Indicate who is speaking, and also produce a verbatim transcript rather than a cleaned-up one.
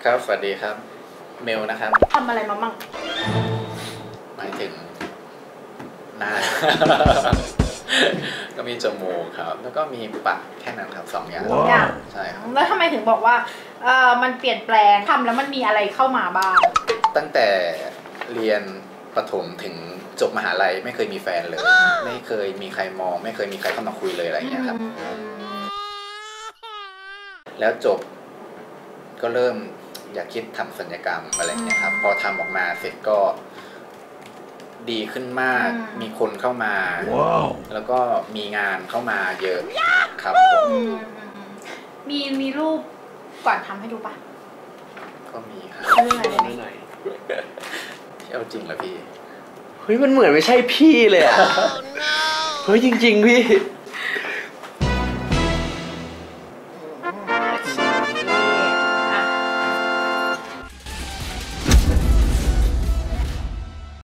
Speaker 1: ครับสวัสดีครับเมลนะครับ
Speaker 2: ทำอะไรมามั่ง
Speaker 1: หมายถึงหน้า ก็มีจมูกครับแล้วก็มีปากแค่นั้นครับสองอย่างใช่ครับ
Speaker 2: แล้วทำไมถึงบอกว่าเออมันเปลี่ยนแปลงทำแล้วมันมีอะไรเข้ามาบ้าง
Speaker 1: ตั้งแต่เรียนประถมถึงจบมหาลัยไม่เคยมีแฟนเลยไม่เคยมีใครมองไม่เคยมีใครเข้ามาคุยเลยอะไรอย่างเงี้ยครับแล้วจบก็เริ่มอยากคิดทำศัลยกรรมอะไรอย่างเงี้ยครับพอทำออกมาเสร็จก็ดีขึ้นมากมีคนเข้ามา wow. แล้วก็มีงานเข้ามาเยอะครับผม
Speaker 2: มีมีรูปก่อนทำให้ดูปะ
Speaker 1: ก็มีครับ
Speaker 2: เรื่องอะไร
Speaker 3: หน่อย
Speaker 1: เอาจริงเหรอพี่
Speaker 3: เฮ้ยมันเหมือนไม่ใช่พี่เลยอ่ะ เฮ้ยจริงๆพี่